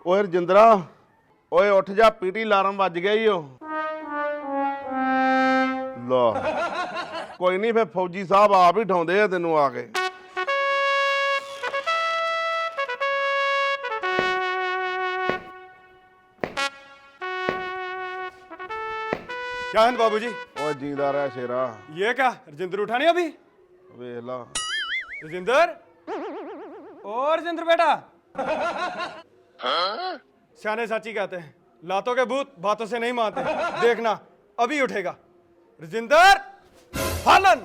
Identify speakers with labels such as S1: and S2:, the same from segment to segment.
S1: ਓਏ ਰਜਿੰਦਰਾ, ਓਏ ਉੱਠ ਜਾ, ਪੀਟੀ ਅਲਾਰਮ ਵੱਜ ਗਿਆ ਈ ਓ। ਲਾ ਕੋਈ ਨਹੀਂ, ਫਿਰ ਫੌਜੀ ਸਾਹਿਬ ਆਪ ਹੀ ਉਠਾਉਂਦੇ ਆ ਤੈਨੂੰ ਆ ਕੇ।
S2: क्या है बाबूजी?
S1: ਓਏ ਜੀਂਦਾ ਰਹਿ ਸ਼ੇਰਾ।
S2: ये क्या राजेंद्र उठा नहीं अभी?
S1: ਵੇਖ ਲਾ।
S2: राजेंद्र, ओ राजेंद्र बेटा। सियाने साची कहते हैं, लातों के भूत बातों से नहीं मानते। देखना अभी उठेगा। राजेंद्र फालन,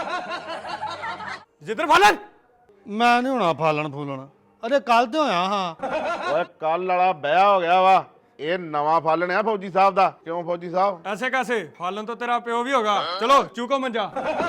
S2: राजेंद्र फालन।
S3: मैं नहीं होना फालन फूलन, अरे कल तो होया हाँ।
S1: ਓਏ ਕੱਲ ਵਾਲਾ ਵਿਆਹ ਹੋ ਗਿਆ ਵਾ, ਇਹ ਨਵਾਂ ਫਾਲਣ ਆ ਫੌਜੀ ਸਾਹਿਬ ਦਾ। ਕਿਉਂ ਫੌਜੀ ਸਾਹਿਬ?
S2: ऐसे कैसे? फालन तो तेरा प्यो भी होगा। चलो चूको मंजा,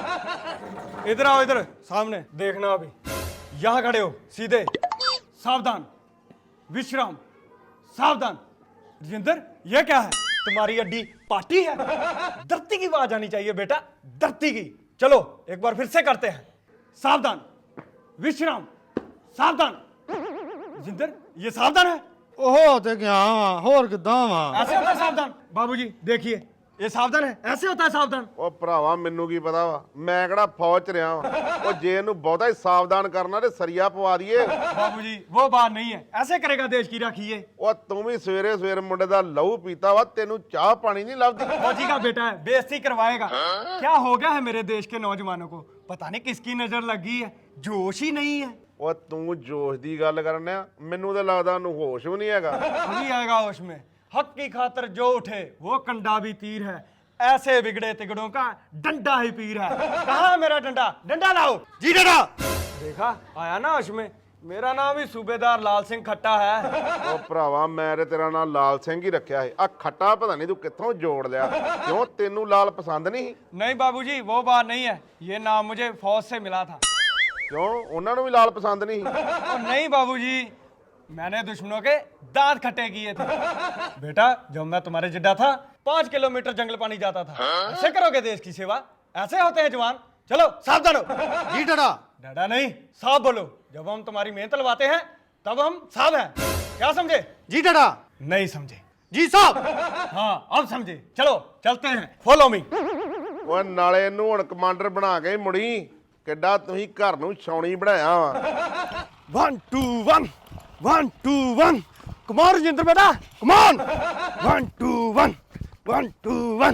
S2: इधर आओ, इधर सामने देखना। अभी यहाँ खड़े हो, सीधे, सावधान, विश्राम, सावधान। राजेंद्र, ये क्या है? तुम्हारी अड्डी पार्टी है? धरती की आवाज आनी चाहिए बेटा, धरती की। चलो एक बार फिर से करते हैं। सावधान, विश्राम, सावधान। राजेंद्र, ये सावधान है?
S3: ओहो ते गया वा, होर किदां वा?
S2: ऐसे होता है सावधान? बाबूजी देखिए, ये सावधान है, ऐसे होता है सावधान।
S1: ਉਹ ਭਰਾਵਾ ਮੈਨੂੰ ਕੀ ਪਤਾ ਵਾ, ਮੈਂ ਕਿਹੜਾ ਫੌਜ ਚ ਰਿਹਾ ਵਾ। ਉਹ ਜੇ ਇਹਨੂੰ ਬਹੁਤਾ ਹੀ ਸਾਵਧਾਨ ਕਰਨਾ ਤੇ ਸਰੀਆ ਪਵਾ ਦਈਏ।
S2: बाबूजी वो बात नहीं है, ऐसे करेगा देश की राखी।
S1: ਉਹ ਤੂੰ ਵੀ ਸਵੇਰੇ ਸਵੇਰੇ ਮੁੰਡੇ ਦਾ ਲਹੂ ਪੀਤਾ ਵਾ, ਤੈਨੂੰ ਚਾਹ ਪਾਣੀ ਨਹੀਂ ਲੱਭਦੀ।
S2: फौजी का बेटा है, बेइज्जती करवाएगा। क्या हो गया है मेरे देश के नौजवानों को? पता नहीं किसकी नजर लगी है, जोश ही नहीं है।
S1: ਉਹ ਤੂੰ ਜੋਸ਼ ਦੀ ਗੱਲ ਕਰਨਿਆ, ਮੈਨੂੰ ਤਾਂ ਲੱਗਦਾ ਉਹਨੂੰ ਹੋਸ਼ ਵੀ ਨਹੀਂ ਹੈਗਾ।
S2: अभी आएगा होश में। हक की खातर जो उठे वो कंडा भी तीर है, ऐसे बिगड़े तिगड़ों का डंडा ही पीर है। कहाँ है मेरा डंडा? डंडा लाओ जी। डंडा देखा, आया ना होश में। मेरा नाम ही सूबेदार लाल सिंह खट्टा है।
S1: ਉਹ ਭਰਾਵਾ ਮੈਂ ਤੇ ਤੇਰਾ ਨਾਂ ਲਾਲ ਸਿੰਘ ਹੀ ਰੱਖਿਆ ਸੀ। ਆ ਖੱਟਾ ਪਤਾ ਨਹੀਂ ਤੂੰ ਕਿੱਥੋਂ ਜੋੜ ਲਿਆ। ਕਿਉਂ ਤੈਨੂੰ ਲਾਲ ਪਸੰਦ ਨਹੀਂ?
S2: नहीं बाबूजी वो बात नहीं है, ये नाम मुझे फौज से मिला था।
S1: ਕਿਉਂ ਉਹਨਾਂ ਨੂੰ ਵੀ ਲਾਲ ਪਸੰਦ ਨਹੀਂ?
S2: और नहीं बाबूजी, मैंने दुश्मनों के दांत खट्टे किए थे। बेटा जब मैं तुम्हारे जिड्डा था, 5 किलोमीटर जंगल पानी जाता था। ऐसे करोगे देश की सेवा? ऐसे होते हैं जवान। चलो सावधान हो।
S3: जी डरा।
S2: डरा नहीं, साफ बोलो। जब हम तुम्हारी मेहनत लवाते हैं तब हम साफ हैं। क्या समझे?
S3: जी डरा।
S2: नहीं समझे?
S3: जी साहब।
S2: हाँ अब समझे। चलो चलते हैं, फॉलो मी।
S1: ਓਏ ਨਾਲੇ ਇਹਨੂੰ ਹੁਣ ਕਮਾਂਡਰ ਬਣਾ ਕੇ ਹੀ ਮੁੜੀ। ਕਿੱਡਾ ਤੁਸੀਂ ਘਰ ਨੂੰ ਛਾਉਣੀ ਬਣਾਇਆ ਵਾ।
S2: 1 2 1 1 2 1। कमान राजेंद्र बेटा, कमान। 1 2 1 1 2 1।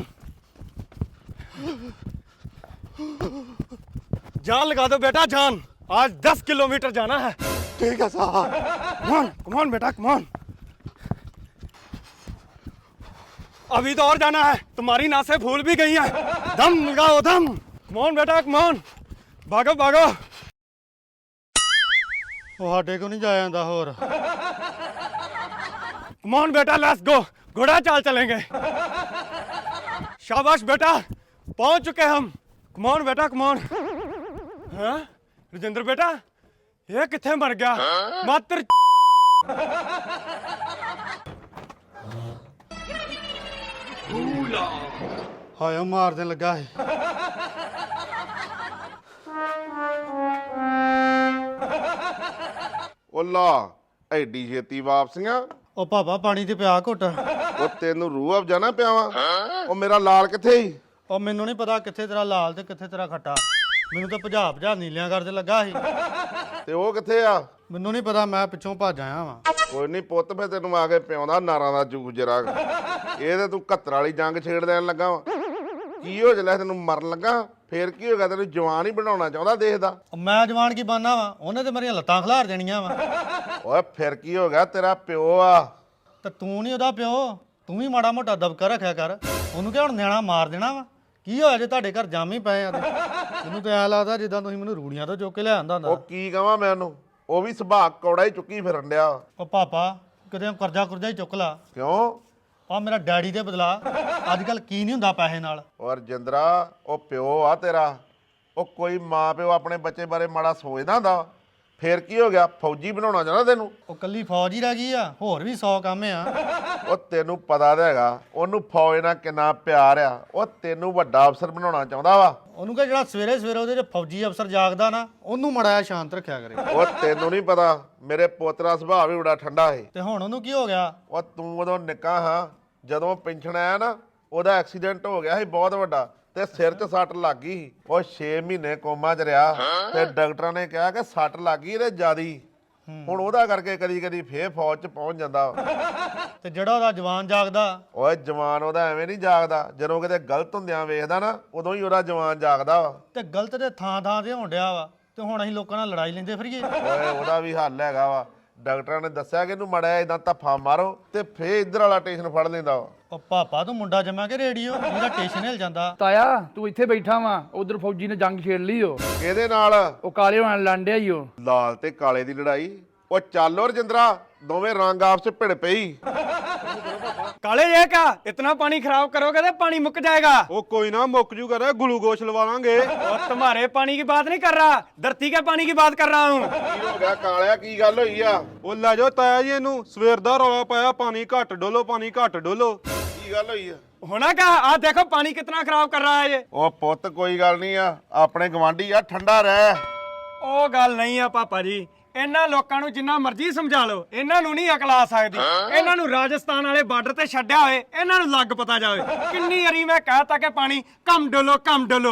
S2: जान लगा दो बेटा, जान। आज 10 किलोमीटर जाना है।
S3: ठीक है साहब।
S2: कमान कमान बेटा, कमान। अभी तो और जाना है, तुम्हारी नासें फूल भी गई हैं। दम लगाओ दम। कमान बेटा, कमान। भागो भागो।
S3: ਉਹ ਸਾਡੇ ਕੋ ਨਹੀਂ ਜਾਇਆ ਜਾਂਦਾ ਹੋਰ।
S2: कमान बेटा, लेट्स गो। घोड़ा चाल चलेंगे। शाबाश बेटा, पहुंच चुके हम। कमान बेटा, कमान। हाँ राजेंद्र बेटा, ये किथे मर गया? मात्र
S3: ਹਾਏ ਉਹ ਮਾਰ ਦੇਣ ਲੱਗਾ ਸੀ।
S1: ਉਹ ਲਾ ਐਡੀ ਛੇਤੀ ਵਾਪਸੀਆਂ।
S3: ਉਹ ਪਾਪਾ ਪਾਣੀ ਤੇ ਪਿਆ ਘੁੱਟ।
S1: ਉਹ ਤੈਨੂੰ ਰੂਹ ਅਫਜਾ ਨਾ ਪਿਆਵਾਂ। ਉਹ ਮੇਰਾ ਲਾਲ ਕਿੱਥੇ ਸੀ?
S3: ਉਹ ਮੈਨੂੰ ਨਹੀਂ ਪਤਾ ਕਿੱਥੇ ਤੇਰਾ ਲਾਲ ਤੇ ਕਿੱਥੇ ਤੇਰਾ ਖੱਟਾ। ਮੈਨੂੰ ਤਾਂ ਭਜਾ ਨੀਲਿਆਂ ਕਰਦੇ ਲੱਗਾ ਸੀ।
S1: ਤੇ ਉਹ ਕਿੱਥੇ ਆ?
S3: ਮੈਨੂੰ ਨਹੀਂ ਪਤਾ, ਮੈਂ ਪਿੱਛੋਂ ਭੱਜ ਆਇਆ ਵਾਂ।
S1: ਕੋਈ ਨਹੀਂ ਪੁੱਤ, ਫੇ ਤੈਨੂੰ ਆ ਕੇ ਪਿਆਉਂਦਾ ਨਾਰਾਂ ਦਾ ਜੂਸ ਜਰਾ। ਇਹ ਤੇ ਤੂੰ 71 ਵਾਲੀ ਜੰਗ ਛੇੜ ਦੇਣ ਲੱਗਾ ਵਾ। ਕੀ ਹੋ ਜਲੇ ਤੈਨੂੰ ਮਰਨ ਲੱਗਾ? ਫੇਰ ਕੀ ਹੋ ਗਿਆ? ਤੈਨੂੰ ਜਵਾਨ ਹੀ ਬਣਾਉਣਾ ਚਾਹੁੰਦਾ ਦੇਸ਼ ਦਾ।
S3: ਮੈਂ ਜਵਾਨ ਕੀ ਬਣਨਾ ਵਾ? ਉਹਨੇ ਤੇ ਮੇਰੀਆਂ ਲੱਤਾਂ ਖਿਲਾਰ ਦੇਣੀਆਂ ਵਾ।
S1: ਓਏ ਫਿਰ ਕੀ ਹੋ ਗਿਆ? ਤੇਰਾ ਪਿਓ ਆ।
S3: ਤੇ ਤੂੰ ਨਹੀਂ ਉਹਦਾ ਪਿਓ, ਤੂੰ ਵੀ ਮਾੜਾ ਮੋਟਾ ਦਬਕਾ ਰੱਖਿਆ ਕਰ। ਉਹਨੂੰ ਕਿ ਹੁਣ ਨਿਆਣਾ ਮਾਰ ਦੇਣਾ ਵਾ? ਕੀ ਹੋਇਆ ਜੇ ਤੁਹਾਡੇ ਘਰ ਜਾਮ ਹੀ ਪਏ ਆ? ਮੈਨੂੰ ਤਾਂ ਐਂ ਲੱਗਦਾ ਜਿੱਦਾਂ ਤੁਸੀਂ ਮੈਨੂੰ ਰੂੜੀਆਂ ਤੋਂ ਚੁੱਕ ਕੇ ਲਿਆਂਦਾ
S1: ਉਹ
S3: ਹੁੰਦਾ।
S1: ਕੀ ਕਹਾਂ ਮੈਂ ਉਹਨੂੰ? ਉਹ ਵੀ ਸੁਭਾਅ ਕੌੜਾ ਹੀ ਚੁੱਕੀ ਫਿਰਨ ਡਿਆ।
S3: ਉਹ ਪਾਪਾ ਕਿਤੇ ਕਰਜ਼ਾ ਕੁਰਜ਼ਾ ਹੀ ਚੁੱਕ ਲਾ।
S1: ਕਿਉਂ?
S3: ਆ ਮੇਰਾ ਡੈਡੀ ਦੇ ਬਦਲਾ। ਅੱਜ ਕੱਲ ਕੀ ਨਹੀਂ ਹੁੰਦਾ ਪੈਸੇ ਨਾਲ।
S1: ਔਰ ਜਿੰਦਰਾ, ਉਹ ਪਿਓ ਆ ਤੇਰਾ। ਉਹ ਕੋਈ ਮਾਂ ਪਿਓ ਆਪਣੇ ਬੱਚੇ ਬਾਰੇ ਮਾੜਾ ਸੋਚਦਾ ਹੁੰਦਾ? ਫੇਰ ਕੀ ਹੋ ਗਿਆ? ਫੌਜੀ ਬਣਾਉਣਾ ਚਾਹੁੰਦਾ ਤੈਨੂੰ?
S3: ਉਹ ਕੱਲੀ ਫੌਜ ਹੀ ਰਹਿ ਗਈ ਆ, ਹੋਰ ਵੀ 100 ਕੰਮ ਆ।
S1: ਉਹ ਤੈਨੂੰ ਪਤਾ ਤਾਂ ਹੈਗਾ ਉਹਨੂੰ ਫੌਜ ਨਾਲ ਕਿੰਨਾ ਪਿਆਰ ਆ। ਉਹ ਤੈਨੂੰ ਵੱਡਾ ਅਫਸਰ ਬਣਾਉਣਾ ਚਾਹੁੰਦਾ ਵਾ।
S3: ਉਹਨੂੰ ਕਹ ਜਿਹੜਾ ਸਵੇਰੇ ਸਵੇਰੇ ਉਹਦੇ 'ਚ ਫੌਜੀ ਅਫਸਰ ਜਾਗਦਾ ਨਾ, ਉਹਨੂੰ ਮਾੜਾ ਜਿਹਾ ਸ਼ਾਂਤ ਰੱਖਿਆ ਕਰੇ।
S1: ਉਹ ਤੈਨੂੰ ਨਹੀਂ ਪਤਾ ਮੇਰੇ ਪੁੱਤ ਦਾ ਸੁਭਾਅ ਵੀ ਬੜਾ ਠੰਡਾ ਹੈ।
S3: ਤੇ ਹੁਣ ਉਹਨੂੰ ਕੀ ਹੋ ਗਿਆ?
S1: ਉਹ ਤੂੰ ਉਦੋਂ ਨਿੱਕਾ ਹਾਂ, ਜਦੋਂ ਪੈਨਸ਼ਨ ਆਇਆ ਨਾ ਉਹਦਾ ਐਕਸੀਡੈਂਟ ਹੋ ਗਿਆ ਸੀ ਬਹੁਤ ਵੱਡਾ, ਤੇ ਸਿਰ 'ਚ ਸੱਟ ਲੱਗ ਗਈ ਸੀ। ਉਹ 6 ਮਹੀਨੇ ਕੋਮਾ 'ਚ ਰਿਹਾ ਤੇ ਡਾਕਟਰਾਂ ਨੇ ਕਿਹਾ ਕਿ ਸੱਟ ਲੱਗ ਗਈ ਇਹਦੇ ਜ਼ਿਆਦੀ। ਹੁਣ ਉਹਦਾ ਕਰਕੇ ਕਦੀ ਕਦੀ ਫੇਰ ਫੌਜ 'ਚ ਪਹੁੰਚ ਜਾਂਦਾ।
S3: ਤੇ ਜਿਹੜਾ ਉਹਦਾ ਜਵਾਨ ਜਾਗਦਾ?
S1: ਓਏ ਜਵਾਨ ਉਹਦਾ ਐਵੇਂ ਨਹੀਂ ਜਾਗਦਾ, ਜਦੋਂ ਕਿਤੇ ਗਲਤ ਹੁੰਦਿਆਂ ਵੇਖਦਾ ਨਾ ਉਦੋਂ ਹੀ ਉਹਦਾ ਜਵਾਨ ਜਾਗਦਾ ਵਾ।
S3: ਤੇ ਗਲਤ ਤੇ ਥਾਂ ਥਾਂ ਤੇ ਹੋਣ ਡਿਆ ਵਾ, ਤੇ ਹੁਣ ਅਸੀਂ ਲੋਕਾਂ ਨਾਲ ਲੜਾਈ ਲੈਂਦੇ ਫਿਰੀਏ।
S1: ਓਏ ਉਹਦਾ ਵੀ ਹੱਲ ਹੈਗਾ ਵਾ। ਡਾਕਟਰਾਂ ਨੇ ਦੱਸਿਆ ਕਿ ਇਹਨੂੰ ਮੜਿਆ ਇਦਾਂ ਧੱਫਾ ਮਾਰੋ ਤੇ ਫੇਰ ਇੱਧਰ ਵਾਲਾ ਟੇਸ਼ਨ ਫੜ ਲੈਂਦਾ ਵਾ।
S3: ਉਹ ਪਾਪਾ ਤੂੰ ਮੁੰਡਾ ਜਮਾ ਕੇ ਰੇਡੀਓ, ਜਿਹਦਾ ਟੇਸ਼ਨ ਹਿਲ ਜਾਂਦਾ।
S4: ਤਾਇਆ ਤੂੰ ਇੱਥੇ ਬੈਠਾ ਵਾ, ਉਧਰ ਫੌਜੀ ਨੇ ਜੰਗ ਛੇੜ ਲਈ ਓ।
S1: ਕਿਹਦੇ ਨਾਲ?
S4: ਉਹ ਕਾਲੇ ਹੋਣ ਲੰਡਿਆ ਹੀ ਓ।
S1: ਲਾਲ ਤੇ ਕਾਲੇ ਦੀ ਲੜਾਈ? ਉਹ ਚੱਲ ਓ ਰਜਿੰਦਰਾ, ਦੋਵੇਂ ਰੰਗ ਆਪਸ ਚ ਭਿੜ ਪਈ।
S2: काले ये क्या इतना पानी खराब करोगे तो पानी मुक जाएगा।
S5: ਉਹ ਕੋਈ ਨਾ ਮੁੱਕ ਜੂ करे ग्लूकोज लवा लांगे।
S2: और तुम्हारे पानी की बात नहीं कर रहा, धरती के पानी की बात कर रहा हूँ।
S1: ਕੀ ਹੋ ਗਿਆ ਕਾਲਿਆ, ਕੀ ਗੱਲ ਹੋਈ ਆ?
S5: ਉਹ ਲੈ ਜਾਓ ਤਾਇਆ ਜੀ ਇਹਨੂੰ, ਸਵੇਰ ਦਾ ਰੌਲਾ ਪਾਇਆ ਪਾਣੀ ਘੱਟ ਡੋਲੋ ਪਾਣੀ ਘੱਟ ਡੋਲੋ।
S1: ਕੀ ਗੱਲ ਹੋਈ ਆ?
S2: होना क्या, आज देखो पानी कितना खराब कर रहा है ये।
S1: ਉਹ ਪੁੱਤ ਕੋਈ ਗੱਲ ਨਹੀਂ ਆ, ਆਪਣੇ ਗਵਾਂਢੀ ਆ, ਠੰਡਾ ਰਹਿ।
S2: ਉਹ ਗੱਲ ਨਹੀਂ ਆ ਪਾਪਾ ਜੀ, ਇਹਨਾਂ ਲੋਕਾਂ ਨੂੰ ਜਿੰਨਾ ਮਰਜ਼ੀ ਸਮਝਾ ਲਓ, ਇਹਨਾਂ ਨੂੰ ਨਹੀਂ ਅਕਲ ਆ ਸਕਦੀ। ਇਹਨਾਂ ਨੂੰ ਰਾਜਸਥਾਨ ਵਾਲੇ ਬਾਰਡਰ ਤੇ ਛੱਡਿਆ ਹੋਏ, ਇਹਨਾਂ ਨੂੰ ਲੱਗ ਪਤਾ ਜਾਵੇ। ਕਿੰਨੀ ਵਾਰੀ ਮੈਂ ਕਹਿਤਾ ਕਿ ਪਾਣੀ ਕਮ ਡੋਲੋ ਕਮ ਡੋਲੋ।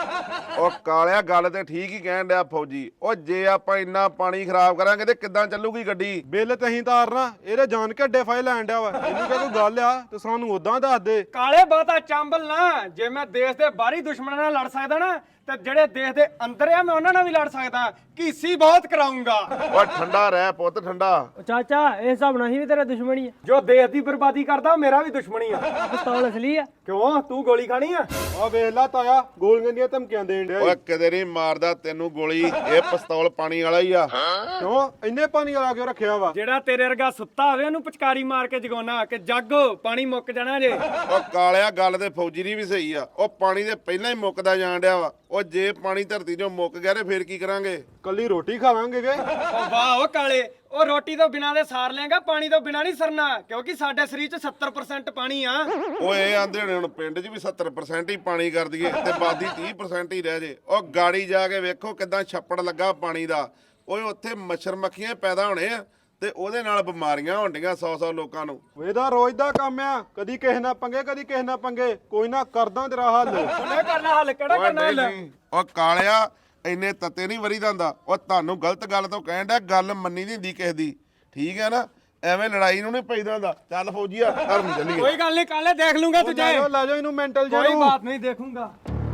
S1: ਉਹ ਕਾਲਿਆ ਗੱਲ ਤੇ ਠੀਕ ਹੀ ਕਹਿਣ ਡਿਆ ਫੌਜੀ। ਉਹ ਜੇ ਆਪਾਂ ਇੰਨਾ ਪਾਣੀ ਖਰਾਬ ਕਰਾਂਗੇ ਤੇ ਕਿੱਦਾਂ ਚੱਲੂਗੀ ਗੱਡੀ?
S5: ਬਿੱਲ ਤੇ ਅਸੀਂ ਤਾਰਨਾ, ਇਹਦੇ ਜਾਣ ਕੇ ਅੱਡੇ ਫਾਇਲ ਲੈਣ ਡਿਆ ਵਾ। ਇਹਨੂੰ ਕਿਹਾ ਕੋਈ ਗੱਲ ਆ ਤੇ ਸਾਨੂੰ ਉਦਾਂ ਦੱਸ ਦੇ।
S2: ਕਾਲੇ ਬਹੁਤਾ ਚਾਂਬਲ ਨਾ, ਜੇ ਮੈਂ ਦੇਸ਼ ਦੇ ਬਾਹਰੀ ਦੁਸ਼ਮਣਾਂ ਨਾਲ ਲੜ ਸਕਦਾ ਨਾ, ਤੇ ਜਿਹੜੇ ਦੇਸ਼ ਦੇ ਅੰਦਰ ਆ ਮੈਂ ਉਹਨਾਂ ਨਾਲ ਵੀ ਲੜ ਸਕਦਾ। ਕੀਸੀ ਬਹੁਤ ਕਰਾਉਂਗਾ।
S1: ਉਹ ਠੰਡਾ ਰਹਿ ਪੁੱਤ, ਠੰਡਾ।
S6: ਚਾਚਾ ਇਹ ਹਿਸਾਬ ਨਾਲ ਹੀ ਵੀ ਤੇਰਾ ਦੁਸ਼ਮਣੀ ਆ।
S2: ਜੋ ਦੇਸ਼ ਦੀ ਬਰਬਾਦੀ ਕਰਦਾ ਉਹ ਮੇਰਾ ਵੀ ਦੁਸ਼ਮਣੀ ਆ।
S6: ਪਿਸਤੌਲ ਅਸਲੀ ਆ।
S2: ਕਿਉਂ, ਤੂੰ ਗੋਲੀ ਖਾਣੀ ਆ?
S5: ਆ ਵੇਖ ਲਾ ਤਾਇਆ, ਗੋਲੀਆਂ ਦੀਆਂ ਧਮਕੀਆਂ ਦੇਣ ਡਿਆ।
S1: ਓਏ ਕਿਤੇ ਨਹੀਂ ਮਾਰਦਾ ਤੈਨੂੰ ਗੋਲੀ, ਇਹ ਪਿਸਤੌਲ ਪਾਣੀ ਵਾਲਾ ਹੀ ਆ।
S5: ਕਿਉਂ ਇੰਨੇ ਪਾਣੀ ਵਾਲਾ ਕਿਉਂ ਰੱਖਿਆ ਵਾ?
S2: ਜਿਹੜਾ ਤੇਰੇ ਵਰਗਾ ਸੁੱਤਾ ਹੋਵੇ ਉਹਨੂੰ ਪਚਕਾਰੀ ਮਾਰ ਕੇ ਜਗਾਉਣਾ ਕਿ ਜਾਗੋ ਪਾਣੀ ਮੁੱਕ ਜਾਣਾ ਜੇ।
S1: ਉਹ ਕਾਲਿਆ ਗੱਲ ਤੇ ਫੌਜੀ ਦੀ ਵੀ ਸਹੀ ਆ। ਉਹ ਪਾਣੀ ਦੇ ਪਹਿਲਾਂ ਹੀ ਮੁੱਕਦਾ ਜਾਣ ਡਿਆ ਵਾ। ਉਹ ਜੇ ਪਾਣੀ ਧਰਤੀ 'ਚੋਂ ਮੁੱਕ ਗਿਆ ਤੇ ਫੇਰ ਕੀ ਕਰਾਂਗੇ?
S5: ਕੱਲੀ ਰੋਟੀ ਖਾਵਾਂਗੇ ਗੇ।
S2: ਉਹ ਵਾਹ ਉਹ ਕਾਲੇ, ਉਹ ਰੋਟੀ ਤੋਂ ਬਿਨਾਂ ਦੇ ਸਾਰ ਲੇਗਾ, ਪਾਣੀ ਤੋਂ ਬਿਨਾਂ ਨਹੀਂ ਸਰਨਾ, ਕਿਉਂਕਿ ਸਾਡੇ ਸਰੀਰ 'ਚ 70% ਪਾਣੀ ਆ।
S1: ਓਏ ਆਂਦੇ ਨੇ ਹੁਣ ਪਿੰਡ 'ਚ ਵੀ 70% ਹੀ ਪਾਣੀ ਕਰ ਦਈਏ ਤੇ ਬਾਦੀ 30% ਹੀ ਰਹਿ ਜੇ। ਉਹ ਗਾੜੀ ਜਾ ਕੇ ਵੇਖੋ ਕਿਦਾਂ ਛੱਪੜ ਲੱਗਾ ਪਾਣੀ ਦਾ। ਓਏ ਉੱਥੇ ਮੱਛਰ ਮੱਖੀਆਂ ਪੈਦਾ ਹੋਣੇ ਆ ਤੇ ਉਹਦੇ ਨਾਲ ਬਿਮਾਰੀਆਂ ਹੋਣੀਆਂ 100 ਲੋਕਾਂ ਨੂੰ।
S5: ਇਹਦਾ ਰੋਜ਼ ਦਾ ਕੰਮ ਆ, ਕਦੀ ਕਿਸੇ ਨਾਲ ਪੰਗੇ ਕਦੀ ਕਿਸੇ ਨਾਲ ਪੰਗੇ। ਕੋਈ ਨਾ ਕਰਦਾ ਤੇਰਾ ਹੱਲ।
S2: ਉਹਨੇ ਕਰਨਾ ਹੱਲ, ਕਿਹੜਾ
S1: ਓਏ
S2: ਕਰਨਾ ਹੱਲ?
S1: ਨਹੀਂ, ਉਹ ਕਾਲਿਆ ਇੰਨੇ ਤੱਤੇ ਨਹੀਂ ਵਰੀ ਜਾਂਦਾ। ਉਹ ਤੁਹਾਨੂੰ ਗਲਤ ਗੱਲ ਤੋਂ ਕਹਿਣ ਡਿਆ, ਗੱਲ ਮੰਨੀ ਨਹੀਂ ਹੁੰਦੀ ਕਿਸੇ ਦੀ, ਠੀਕ ਹੈ ਨਾ? ਐਵੇਂ ਲੜਾਈ ਨੂੰ ਨਹੀਂ ਪੈਦਾ ਹੁੰਦਾ। ਚੱਲ ਫੌਜੀਆ ਘਰ ਨੂੰ ਚੱਲੀਏ।
S2: ਕੋਈ ਗੱਲ ਨਹੀਂ ਕਾਲੇ, ਦੇਖ ਲੂੰਗਾ
S5: ਲੈ
S2: ਤੁਝੇ।
S5: ਜਾਓ ਇਹਨੂੰ ਮੈਂਟਲ
S2: ਕੋਈ
S5: ਜਿਹਨੂੰ।
S2: ਬਾਤ ਨਹੀਂ, ਦੇਖੂੰਗਾ।